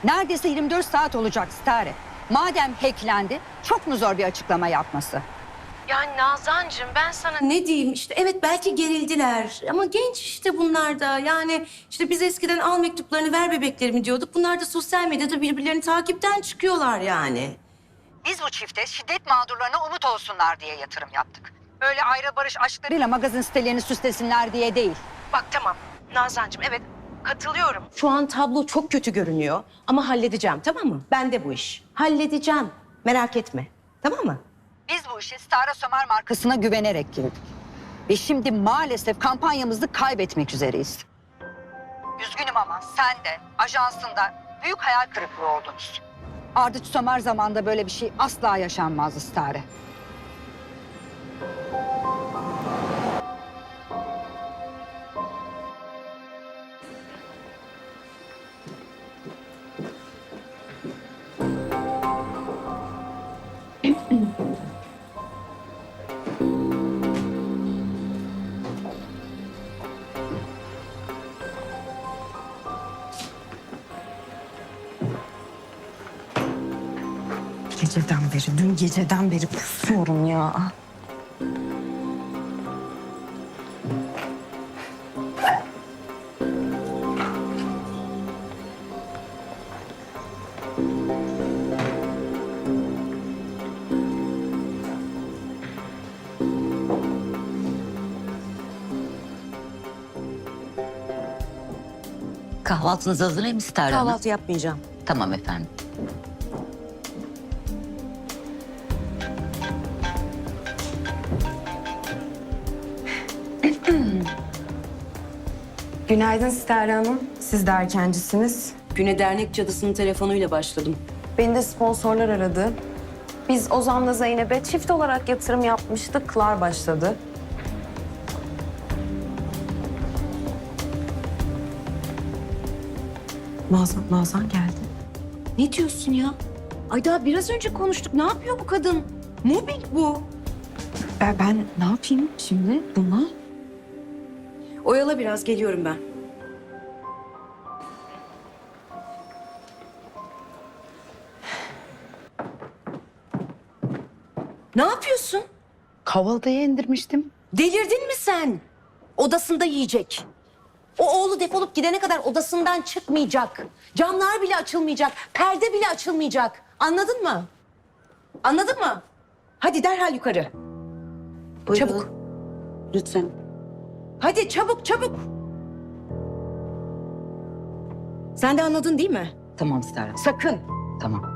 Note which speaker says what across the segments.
Speaker 1: Neredeyse 24 saat olacak Stare. Madem hacklendi, çok mu zor bir açıklama yapması?
Speaker 2: Yani Nazancığım ben sana ne diyeyim işte evet belki gerildiler ama genç işte bunlar da yani işte biz eskiden al mektuplarını ver bebeklerimi diyorduk. Bunlar da sosyal medyada birbirlerini takipten çıkıyorlar yani.
Speaker 1: Biz bu çifte şiddet mağdurlarına umut olsunlar diye yatırım yaptık. Öyle ayrı barış aşklarıyla magazin sitelerini süslesinler diye değil.
Speaker 2: Bak tamam Nazancığım evet katılıyorum. Şu an tablo çok kötü görünüyor ama halledeceğim tamam mı? Ben de bu iş. Halledeceğim merak etme tamam mı?
Speaker 1: Biz bu işe Stara Sömer markasına güvenerek girdik. Ve şimdi maalesef kampanyamızı kaybetmek üzereyiz. Üzgünüm ama sen de, ajansında büyük hayal kırıklığı oldunuz. Ardıç Sömer zamanında böyle bir şey asla yaşanmazdı Stare.
Speaker 3: Dün geceden beri kusuyorum ya.
Speaker 4: Kahvaltınız hazır mı Stare Hanım?
Speaker 2: Kahvaltı yapmayacağım.
Speaker 4: Tamam efendim.
Speaker 3: Günaydın Stare Hanım. Siz de erkencisiniz.
Speaker 2: Güne dernek cadısının telefonuyla başladım.
Speaker 3: Beni de sponsorlar aradı. Biz Ozan'la Zeynep'e çift olarak yatırım yapmıştık. Klar başladı. Nazan geldi.
Speaker 2: Ne diyorsun ya? Ay daha biraz önce konuştuk. Ne yapıyor bu kadın? Mobbing bu.
Speaker 3: Ben ne yapayım şimdi buna?
Speaker 2: Oyala biraz geliyorum ben. Ne yapıyorsun?
Speaker 1: Kahvaltıya indirmiştim.
Speaker 2: Delirdin mi sen? Odasında yiyecek. O oğlu defolup gidene kadar odasından çıkmayacak. Camlar bile açılmayacak. Perde bile açılmayacak. Anladın mı? Anladın mı? Hadi derhal yukarı.
Speaker 5: Buyurun.
Speaker 2: Çabuk.
Speaker 5: Lütfen.
Speaker 2: Hadi çabuk çabuk. Sen de anladın değil mi?
Speaker 4: Tamam Stare Hanım.
Speaker 2: Sakın.
Speaker 4: Tamam.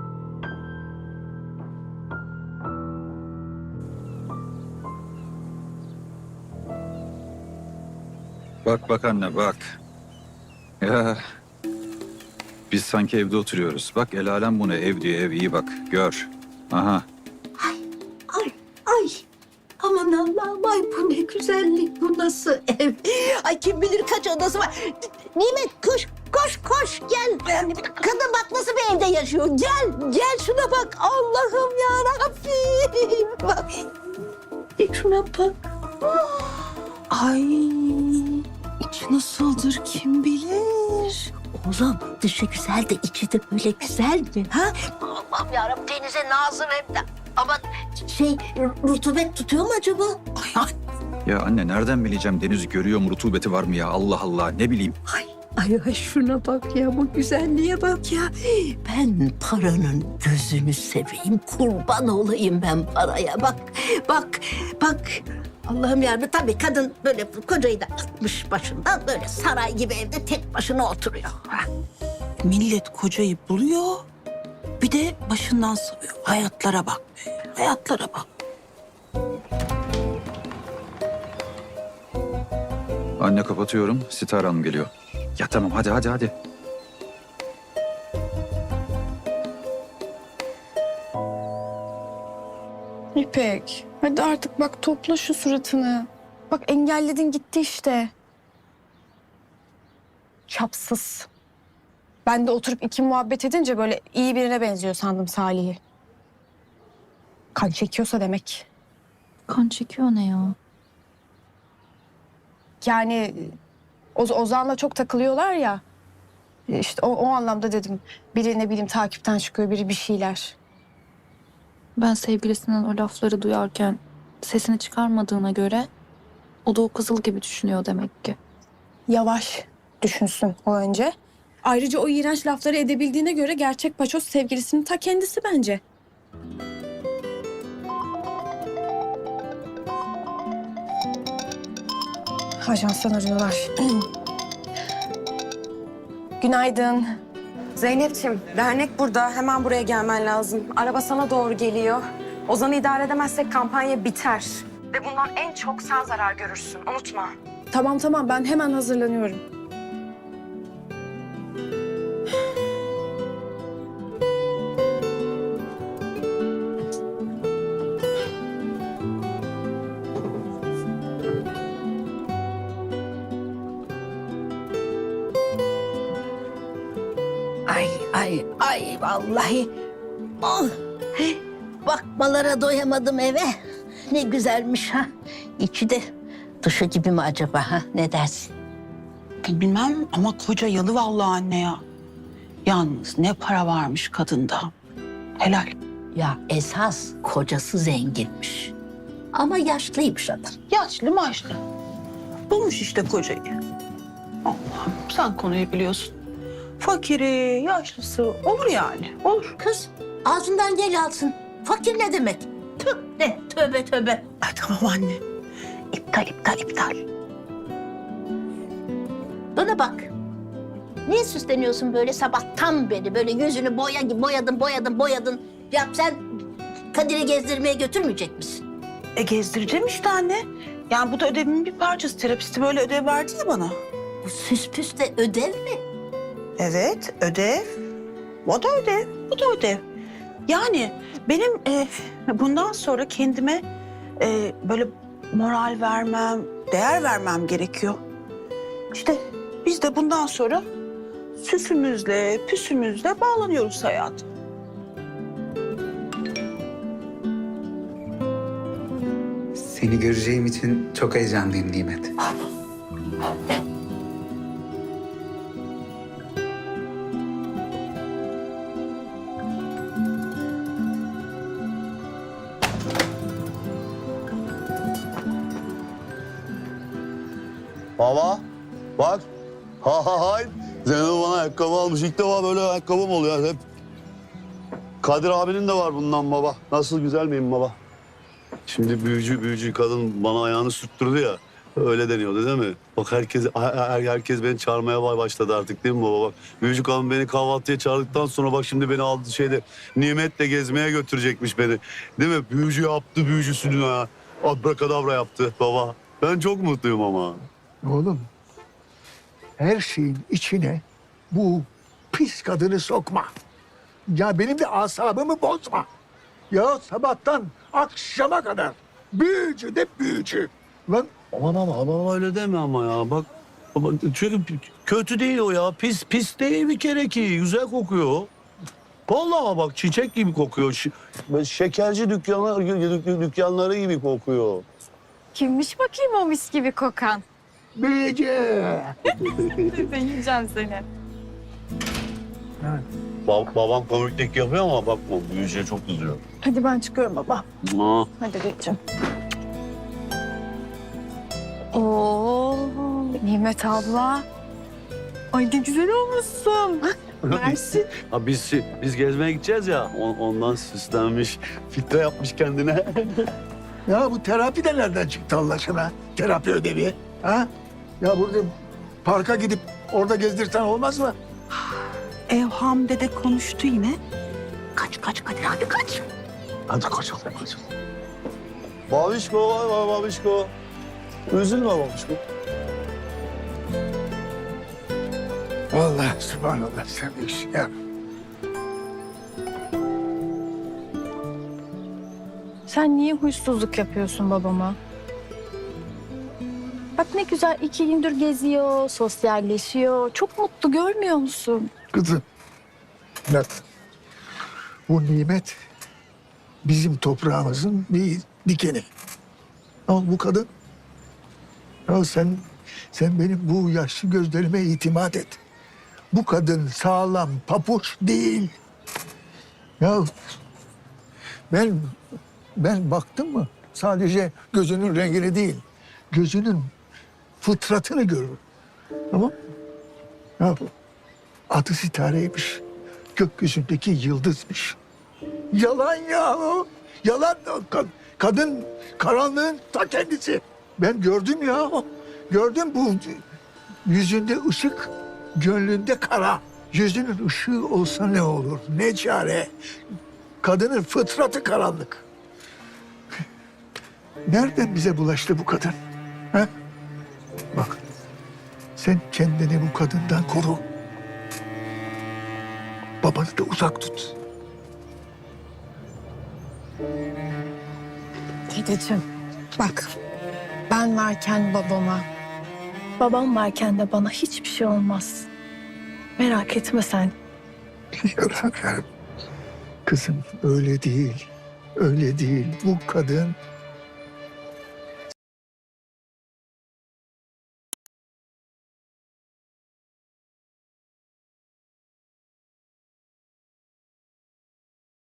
Speaker 6: Bak bak anne bak. Ya biz sanki evde oturuyoruz. Bak el alem bu ne ev diyor ev iyi bak gör. Aha.
Speaker 5: Ay, ay. Aman Allah'ım, ay bu ne güzellik, bu nasıl ev? Ay kim bilir kaç odası var. Nimet koş, koş, koş gel. Kadın bak nasıl bir evde yaşıyor. Gel, gel şuna bak. Allah'ım yarabbim. Bak. Şuna bak. Ay, içi nasıldır kim bilir? Oğlum dışı güzel de içi de böyle güzel mi? Ha? Allah'ım yarabbim denize nazır hem de. Ama rutubet tutuyor mu acaba? Ay, ay,
Speaker 6: Ya anne nereden bileceğim deniz görüyor mu rutubeti var mı ya Allah Allah ne bileyim.
Speaker 5: ay şuna bak ya, bu güzelliğe bak ya. Ben paranın gözünü seveyim, kurban olayım ben paraya. Bak, bak, bak. Allah'ım yarabbim tabii kadın böyle kocayı da atmış başından böyle saray gibi evde tek başına oturuyor. Ha.
Speaker 7: Millet kocayı buluyor, bir de başından savıyor. Hayatlara bakmıyor. Hayatlara bak.
Speaker 6: Anne kapatıyorum Sitare Hanım geliyor. Ya tamam hadi.
Speaker 8: İpek, hadi artık bak topla şu suratını. Bak engelledin gitti işte. Çapsız. Ben de oturup iki muhabbet edince böyle iyi birine benziyor sandım Salih'i. Kan çekiyorsa demek.
Speaker 9: Kan çekiyor ne ya?
Speaker 8: Yani Ozan'la çok takılıyorlar ya. İşte o anlamda dedim. Biri ne bileyim takipten çıkıyor, biri bir şeyler.
Speaker 9: Ben sevgilisinden o lafları duyarken sesini çıkarmadığına göre o da o kızıl gibi düşünüyor demek ki.
Speaker 8: Yavaş düşünsün o önce. Ayrıca o iğrenç lafları edebildiğine göre gerçek paçoz sevgilisinin ta kendisi bence. Ajanstan arıyorlar. Günaydın.
Speaker 3: Zeynep'ciğim, dernek burada. Hemen buraya gelmen lazım. Araba sana doğru geliyor. Ozan'ı idare edemezsek kampanya biter. Ve bundan en çok sen zarar görürsün. Unutma.
Speaker 8: Tamam ben hemen hazırlanıyorum.
Speaker 5: Ay vallahi. Oh. Bakmalara doyamadım eve. Ne güzelmiş ha. İçi de dışı gibi mi acaba ha? Ne dersin?
Speaker 7: Bilmem ama koca yalı vallahi anne ya. Yalnız ne para varmış kadında. Helal.
Speaker 5: Ya esas kocası zenginmiş. Ama yaşlıymış adam.
Speaker 7: Yaşlı maçlı. Bulmuş işte kocayı. Allah'ım sen konuyu biliyorsun. Fakiri, yaşlısı olur yani. Olur.
Speaker 5: Kız ağzından gel alsın. Fakir ne demek? Tüh ne tövbe.
Speaker 7: Ay tamam anne. İptal.
Speaker 5: Bana bak. Niye süsleniyorsun böyle sabahtan beri? Böyle yüzünü boyadın. Ya sen Kadir'i gezdirmeye götürmeyecek misin?
Speaker 7: Gezdireceğim işte anne. Yani bu da ödevimin bir parçası. Terapisti böyle ödev verdi ya bana.
Speaker 5: Bu süs püs de ödev mi?
Speaker 7: Evet, ödev. O da ödev, bu da ödev. Yani benim bundan sonra kendime böyle moral vermem, değer vermem gerekiyor. İşte biz de bundan sonra süsümüzle, püsümüzle bağlanıyoruz hayata.
Speaker 10: Seni göreceğim için çok heyecanlıyım Nimet.
Speaker 11: Baba bak. Hay. Zeynep bana ayakkabı almış. İlk defa böyle ayakkabım oluyor hep. Kadir abinin de var bundan baba. Nasıl güzel miyim baba? Şimdi büyücü kadın bana ayağını sürttürdü ya. Öyle deniyordu değil mi? Bak herkes beni çağırmaya başladı artık değil mi baba? Bak büyücü kadın beni kahvaltıya çağırdıktan sonra bak şimdi beni aldı Nimet'le gezmeye götürecekmiş beni. Değil mi? Büyücü yaptı büyücüsünü ha. Abrakadabra yaptı baba. Ben çok mutluyum ama.
Speaker 12: Oğlum, her şeyin içine bu pis kadını sokma. Ya benim de asabımı bozma. Ya sabahtan akşama kadar büyücü de büyücü. Lan
Speaker 11: Ama öyle deme ama ya. Bak çünkü kötü değil o ya. Pis değil bir kere ki. Güzel kokuyor. Vallahi bak çiçek gibi kokuyor. Böyle şekerci dükkanları gibi kokuyor.
Speaker 8: Kimmiş bakayım o mis gibi kokan?
Speaker 12: büyücü.
Speaker 8: Ben yiyeceğim seni.
Speaker 11: Babam komiklik yapıyor ama bakma büyücüye çok kızıyor.
Speaker 8: Hadi ben çıkıyorum baba.
Speaker 11: Aa.
Speaker 8: Hadi geçeceğim. Oo, Nimet abla. Ay ne güzel olmuşsun. Mersi.
Speaker 11: Ha, biz gezmeye gideceğiz ya. Ondan süslenmiş, filtre yapmış kendine.
Speaker 12: Ya bu terapi de nereden çıktı Allah aşkına? Terapi ödevi. Ha? Ya burada parka gidip orada gezdirsen olmaz mı?
Speaker 7: Evham dede konuştu yine.
Speaker 5: Kaç Kadir hadi kaç.
Speaker 12: Hadi koşalım.
Speaker 11: Babişko, vay babişko. Üzülme babişko.
Speaker 12: Vallahi subhanallah sen büyüksün ya.
Speaker 8: Sen niye huysuzluk yapıyorsun babama? Bak ne güzel 2 gündür geziyor, sosyalleşiyor. Çok mutlu görmüyor musun?
Speaker 12: Kızım. Bak. Bu nimet bizim toprağımızın bir dikeni. Al bu kadın. Ya sen benim bu yaşlı gözlerime itimat et. Bu kadın sağlam papuç değil. Ya ben baktım mı sadece gözünün rengini değil, gözünün fıtratını görürüm. Tamam mı? Ya adı Sitare'ymiş. Gökyüzündeki yıldızmış. Yalan ya o. Yalan. Kadın karanlığın ta kendisi. Ben gördüm ya. Gördüm bu yüzünde ışık, gönlünde kara. Yüzünün ışığı olsa ne olur? Ne çare? Kadının fıtratı karanlık. Nereden bize bulaştı bu kadın? Ha? Bak, sen kendini bu kadından koru. Babanı da uzak tut.
Speaker 8: Dedeciğim bak, ben varken babama, babam varken de bana hiçbir şey olmaz. Merak etme sen.
Speaker 12: Kızım öyle değil. Öyle değil. Bu kadın